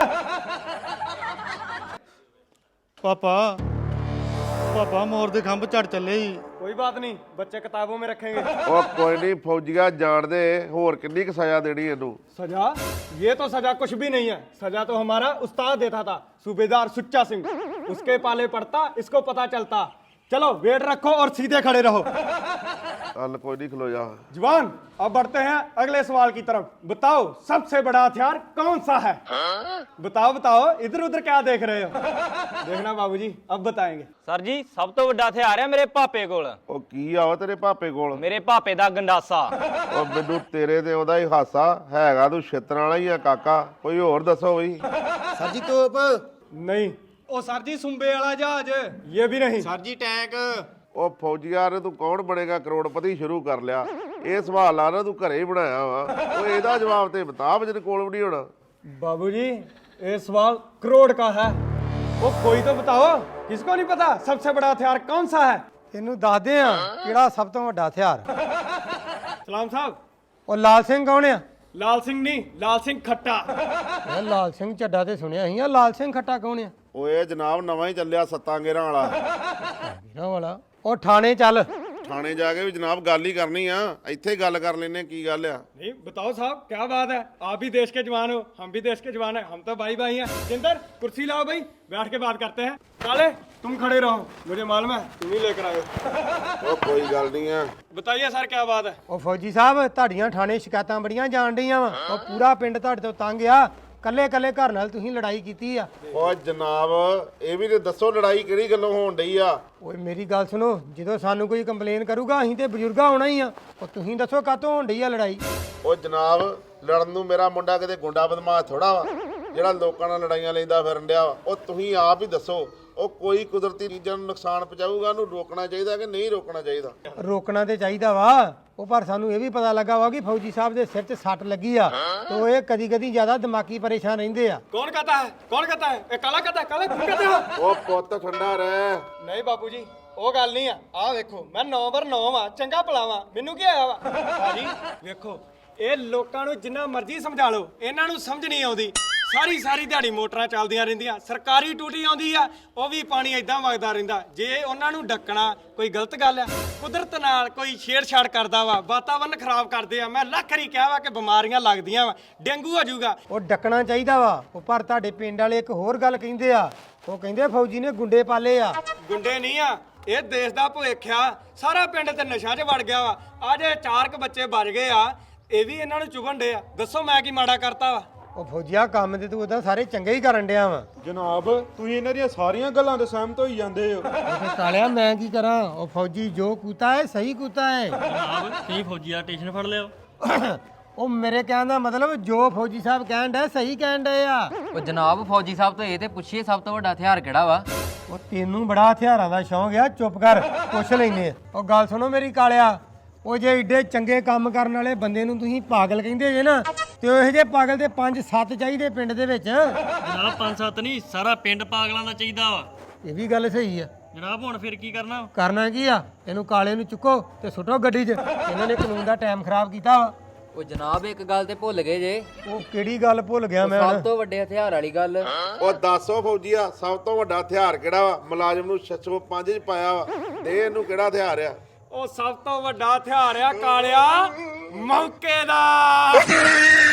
S3: ਪਾਪਾ ਮੋਰ ਦੇ ਖੰਭ ਝੜ ਚੱਲੇ ਹੀ।
S2: कोई बात नहीं, बच्चे किताबों में रखेंगे।
S1: ਉਹ ਕੋਈ ਨਹੀਂ, ਫੌਜੀਆਂ ਜਾਣਦੇ ਹੋਰ ਕਿੰਨੀ ਕੁ ਸਜ਼ਾ ਦੇਣੀ ਇਹਨੂੰ।
S2: सजा? ये तो सजा कुछ भी नहीं है। सजा तो हमारा उस्ताद देता था, सूबेदार सुच्चा सिंह। उसके पाले पड़ता, इसको पता चलता। चलो वेट रखो और सीधे खड़े रहो।
S1: ਚੱਲ ਕੋਈ ਨਹੀਂ, ਖਲੋ ਜਾ।
S2: जवान, अब बढ़ते हैं अगले सवाल की तरफ। बताओ सबसे बड़ा हथियार कौन सा है? बताओ बताओ, इधर उधर क्या देख रहे हो? देखना बाबूजी, अब बताएंगे।
S7: ਸਰ ਜੀ ਸਭ ਤੋਂ ਵੱਡਾ ਹਥਿਆਰ ਆ ਮੇਰੇ ਪਾਪੇ ਕੋਲ।
S1: ਉਹ ਕੀ ਆ ਵਾ ਤੇਰੇ ਪਾਪੇ ਕੋਲ?
S7: ਮੇਰੇ ਪਾਪੇ ਦਾ ਗੰਡਾਸਾ।
S1: ਉਹ ਮੈਨੂੰ ਤੇਰੇ ਤੇ ਉਹਦਾ ਹੀ ਹਾਸਾ ਹੈਗਾ। ਤੂੰ ਛਿੱਤਰਾਂ ਵਾਲਾ ਹੀ ਆ ਕਾਕਾ। ਕੋਈ ਹੋਰ ਦੱਸੋ ਬਈ।
S3: ਸਰ ਜੀ ਤੋਪ।
S2: नहीं। ओ सर जी सुंबे वाला जहाज। ये भी नहीं।
S3: ਸਰ ਜੀ ਟੈਂਕ।
S1: ਉਹ ਫੌਜੀਆਂ ਨੇ ਤੂੰ ਕੌਣ ਬਣੇਗਾ ਕਰੋੜਪਤੀ ਸ਼ੁਰੂ ਕਰ ਲਿਆ। ਇਹ ਸਵਾਲ ਆ ਨਾ ਤੂੰ ਘਰੇ ਹੀ ਬਣਾਇਆ ਵਾ। ਉਹ ਇਹਦਾ ਜਵਾਬ ਤੇ ਬਤਾ ਜਿਹਦੇ ਕੋਲ ਵੀ ਨਹੀਂ ਹੋਣਾ।
S2: बाबूजी ये सवाल करोड़ का है। वो कोई तो बताओ, किसको नहीं पता सबसे बड़ा हथियार कौन सा है?
S6: ਇਹਨੂੰ ਦੱਸਦੇ ਆ ਕਿਹੜਾ ਸਭ ਤੋਂ ਵੱਡਾ ਹਥਿਆਰ।
S2: सलाम साहब।
S6: ਉਹ ਲਾਲ ਸਿੰਘ ਕੌਣ ਆ?
S2: लाल सिंह नहीं, लाल सिंह खट्टा।
S6: ਇਹ ਲਾਲ ਸਿੰਘ ਚੱਡਾ ਤੇ ਸੁਣਿਆ ਸੀ। ਆ ਲਾਲ ਸਿੰਘ ਖੱਟਾ ਕੌਣ ਆ?
S1: ਓਏ ਜਨਾਬ ਨਵਾਂ ਹੀ ਚੱਲਿਆ ਸੱਤਾਂ ਗੇਰਾਂ ਵਾਲਾ।
S6: ਵੀਰਾਂ ਵਾਲਾ। ਉਹ ਥਾਣੇ ਚੱਲ।
S1: ਥਾਣੇ ਜਾ ਕੇ ਵੀ ਜਨਾਬ ਗੱਲ ਹੀ ਕਰਨੀ ਆ। ਇੱਥੇ ਹੀ ਗੱਲ ਕਰ ਲੈਨੇ ਕੀ ਗੱਲ ਆ।
S2: नहीं बताओ साहब, क्या बात है? आप भी देश के जवान हो, हम भी देश के जवान हैं। हम तो भाई भाई हैं। जिंदर कुर्सी लाओ भाई, बैठ के बात करते हैं। काले तुम खड़े रहो, मुझे मालूम है तुम ही लेकर आए हो।
S1: ਉਹ ਕੋਈ ਗੱਲ ਨਹੀਂ ਆ।
S2: बताइए सर क्या बात है?
S6: ਉਹ ਫੌਜੀ ਸਾਹਿਬ ਤੁਹਾਡੀਆਂ ਥਾਣੇ ਸ਼ਿਕਾਇਤਾਂ ਬੜੀਆਂ ਜਾਣ ਡੀਆਂ ਵਾ। ਉਹ ਪੂਰਾ ਪਿੰਡ ਤੁਹਾਡੇ ਤੋਂ ਤੰਗ ਆ। ਕੱਲੇ ਕੱਲੇ ਘਰ ਨਾਲ ਤੁਸੀਂ ਲੜਾਈ ਕੀਤੀ ਆ।
S1: ਓ ਜਨਾਬ ਇਹ ਵੀ ਤੇ ਦੱਸੋ ਲੜਾਈ ਕਿਹੜੀ ਗੱਲੋਂ ਹੋਣ ਡਈ ਆ।
S6: ਓਏ ਮੇਰੀ ਗੱਲ ਸੁਣੋ, ਜਦੋਂ ਸਾਨੂੰ ਕੋਈ ਕੰਪਲੇਨ ਕਰੂਗਾ ਅਸੀਂ ਤੇ ਬਜ਼ੁਰਗਾ ਆਉਣਾ ਹੀ ਆ। ਉਹ ਤੁਸੀਂ ਦੱਸੋ ਕਾਹਤੋਂ ਹੋਣ ਡਈ ਆ ਲੜਾਈ?
S1: ਓ ਜਨਾਬ ਲੜਨ ਨੂੰ ਮੇਰਾ ਮੁੰਡਾ ਕਿਤੇ ਗੁੰਡਾ ਬਦਮਾਸ਼ ਥੋੜਾ ਵਾ ਜਿਹੜਾ ਲੋਕਾਂ ਨਾਲ ਲੜਾਈਆਂ ਲੈਂਦਾ ਫਿਰਨ ਡਿਆ ਵਾ। ਉਹ ਤੁਸੀਂ ਆਪ ਹੀ ਦੱਸੋ, ਉਹ ਕੋਈ ਕੁਦਰਤੀ ਚੀਜ਼ਾਂ ਨੂੰ ਨੁਕਸਾਨ ਪਹੁੰਚਾਊਗਾ ਉਹਨੂੰ ਰੋਕਣਾ ਚਾਹੀਦਾ ਕਿ ਨਹੀਂ ਰੋਕਣਾ ਚਾਹੀਦਾ?
S6: ਰੋਕਣਾ ਤੇ ਚਾਹੀਦਾ ਵਾ। ਉਹ ਪਰ ਸਾਨੂੰ ਇਹ ਵੀ ਪਤਾ ਲੱਗਾ ਵਾ ਕਿ ਫੌਜੀ ਸਾਹਿਬ ਦੇ ਸਿਰ 'ਚ ਸੱਟ ਲੱਗੀ ਆ ਤੇ ਉਹ ਇਹ ਕਦੀ ਕਦੀ ਜ਼ਿਆਦਾ ਦਿਮਾਗੀ ਪਰੇਸ਼ਾਨ ਰਹਿੰਦੇ ਆ।
S2: कौन कहता है? कौन कहता है? ए काला कहता है? काला तुम कहते हो?
S1: ਉਹ ਪੁੱਤ ਠੰਡਾ ਰਹਿ।
S2: ਨਹੀਂ ਬਾਪੂ ਜੀ, ਉਹ ਗੱਲ ਨਹੀਂ ਆ। ਆਹ ਵੇਖੋ ਮੈਂ 9/9 ਵਾਂ, ਚੰਗਾ ਭਲਾ ਵਾਂ, ਮੈਨੂੰ ਕੀ ਆਇਆ ਵਾ? ਭਾਜੀ ਵੇਖੋ, ਇਹ ਲੋਕਾਂ ਨੂੰ ਜਿੰਨਾ ਮਰਜ਼ੀ ਸਮਝਾ ਲਓ, ਇਹਨਾਂ ਨੂੰ ਸਮਝ ਨਹੀਂ ਆਉਂਦੀ। ਸਾਰੀ ਦਿਹਾੜੀ ਮੋਟਰਾਂ ਚੱਲਦੀਆਂ ਰਹਿੰਦੀਆਂ, ਸਰਕਾਰੀ ਟੂਟੀ ਆਉਂਦੀ ਆ, ਉਹ ਵੀ ਪਾਣੀ ਐਦਾਂ ਵਗਦਾ ਰਹਿੰਦਾ। ਜੇ ਉਹਨਾਂ ਨੂੰ ਡੱਕਣਾ ਕੋਈ ਗਲਤ ਗੱਲ ਆ? ਕੁਦਰਤ ਨਾਲ ਕੋਈ ਛੇੜਛਾੜ ਕਰਦਾ ਵਾ, ਵਾਤਾਵਰਨ ਖਰਾਬ ਕਰਦੇ ਆ। ਮੈਂ ਲੱਖ ਵਾਰੀ ਕਿਹਾ ਵਾ ਕਿ ਬਿਮਾਰੀਆਂ ਲੱਗਦੀਆਂ ਵਾ, ਡੇਂਗੂ ਹੋ ਜਾਊਗਾ।
S6: ਉਹ ਡੱਕਣਾ ਚਾਹੀਦਾ ਵਾ। ਉਹ ਪਰ ਤੁਹਾਡੇ ਪਿੰਡ ਵਾਲੇ ਇੱਕ ਹੋਰ ਗੱਲ ਕਹਿੰਦੇ ਆ। ਉਹ ਕਹਿੰਦੇ ਫੌਜੀ ਨੇ ਗੁੰਡੇ ਪਾਲੇ ਆ।
S2: ਗੁੰਡੇ ਨਹੀਂ ਆ, ਇਹ ਦੇਸ਼ ਦਾ ਭਵਿੱਖ ਆ। ਸਾਰਾ ਪਿੰਡ ਤੇ ਨਸ਼ਾ 'ਚ ਵੜ ਗਿਆ ਵਾ। ਅੱਜ 4 ਬੱਚੇ ਬਚ ਗਏ ਆ, ਇਹ ਵੀ ਇਹਨਾਂ ਨੂੰ ਚੁਗਣ ਡੇ ਆ। ਦੱਸੋ ਮੈਂ ਕੀ ਮਾੜਾ ਕਰਤਾ ਵਾ?
S6: ਉਹ ਫੌਜੀਆ ਕੰਮ ਤੇ ਤੂੰ ਉਦਾਂ ਸਾਰੇ ਚੰਗੇ ਹੀ ਕਰਨ ਡਿਆ ਵਾ।
S5: ਜਨਾਬ ਤੁਸੀਂ ਇਹਨਾਂ ਦੀਆਂ ਸਾਰੀਆਂ ਗੱਲਾਂ ਤੇ ਸਹਿਮਤ ਹੋਈ ਜਾਂਦੇ ਹੋ।
S6: ਉਹ ਕਾਲਿਆ ਮੈਂ ਕੀ ਕਰਾਂ? ਉਹ ਫੌਜੀ ਜੋ ਕੂਤਾ ਹੈ ਸਹੀ ਕੂਤਾ ਹੈ।
S10: ਜਨਾਬ ਤੁਸੀਂ ਫੌਜੀ ਦਾ ਸਟੇਸ਼ਨ ਫੜ ਲਿਓ।
S6: ਉਹ ਮੇਰੇ ਕਹਿਣ ਦਾ ਮਤਲਬ ਜੋ ਫੌਜੀ ਸਾਹਿਬ ਕਹਿਣ ਡਿਆ ਸਹੀ ਕਹਿਣ ਡਏ ਆ।
S11: ਉਹ ਜਨਾਬ ਫੌਜੀ ਸਾਹਿਬ ਤੋਂ ਇਹ ਤੇ ਪੁੱਛੀਏ ਸਭ ਤੋਂ ਵੱਡਾ ਹਥਿਆਰ ਕਿਹੜਾ ਵਾ?
S6: ਉਹ ਤੈਨੂੰ ਬੜਾ ਹਥਿਆਰਾਂ ਦਾ ਸ਼ੌਂਕ ਆ, ਚੁੱਪ ਕਰ, ਪੁੱਛ ਲੈਨੇ ਆ। ਉਹ ਗੱਲ ਸੁਣੋ ਮੇਰੀ ਕਾਲਿਆ, ਉਹ ਜੇ ਏਡੇ ਚੰਗੇ ਕੰਮ ਕਰਨ ਵਾਲੇ ਬੰਦੇ ਨੂੰ ਤੁਸੀਂ ਪਾਗਲ ਕਹਿੰਦੇ ਜੇ ਨਾ, ਤੇ ਉਹ ਇਹੋ ਜਿਹੇ ਪਾਗਲ ਤੇ 5-7 ਚਾਹੀਦੇ ਪਿੰਡ ਦੇ ਵਿੱਚ।
S10: ਜਨਾਬ 5-7 ਨਹੀਂ, ਸਾਰਾ ਪਿੰਡ ਪਾਗਲਾਂ ਦਾ ਚਾਹੀਦਾ ਵਾ।
S6: ਇਹ ਵੀ ਗੱਲ ਸਹੀ ਆ।
S10: ਜਨਾਬ ਹੁਣ ਫਿਰ ਕੀ ਕਰਨਾ?
S6: ਕਰਨਾ ਕੀ ਆ? ਇਹਨੂੰ ਕਾਲੇ ਨੂੰ ਚੁੱਕੋ ਤੇ ਸੁੱਟੋ ਗੱਡੀ 'ਚ। ਇਹਨਾਂ ਨੇ ਕਾਨੂੰਨ ਦਾ ਟਾਈਮ ਖਰਾਬ ਕੀਤਾ ਵਾ।
S11: ਉਹ ਜਨਾਬ ਇੱਕ ਗੱਲ ਤੇ ਭੁੱਲ ਗਏ ਜੇ।
S6: ਉਹ ਕਿਹੜੀ ਗੱਲ ਭੁੱਲ ਗਿਆ ਮੈਂ
S11: ਸਭ
S6: ਹੁਣ?
S11: ਤੋਂ ਵੱਡੇ ਹਥਿਆਰ ਵਾਲੀ ਗੱਲ।
S1: ਉਹ ਦੱਸੋ ਫੌਜੀਆ, ਸਭ ਤੋਂ ਵੱਡਾ ਹਥਿਆਰ ਕਿਹੜਾ ਵਾ? ਮੁਲਾਜ਼ਮ ਨੂੰ 605 ਚ ਪਾਇਆ ਵਾ, ਦੇ ਇਹਨੂੰ ਕਿਹੜਾ ਹਥਿਆਰ ਆ?
S2: ਉਹ ਸਭ ਤੋਂ ਵੱਡਾ ਹਥਿਆਰ ਆ ਕਾਲਿਆ ਮੌਕੇ ਦਾ।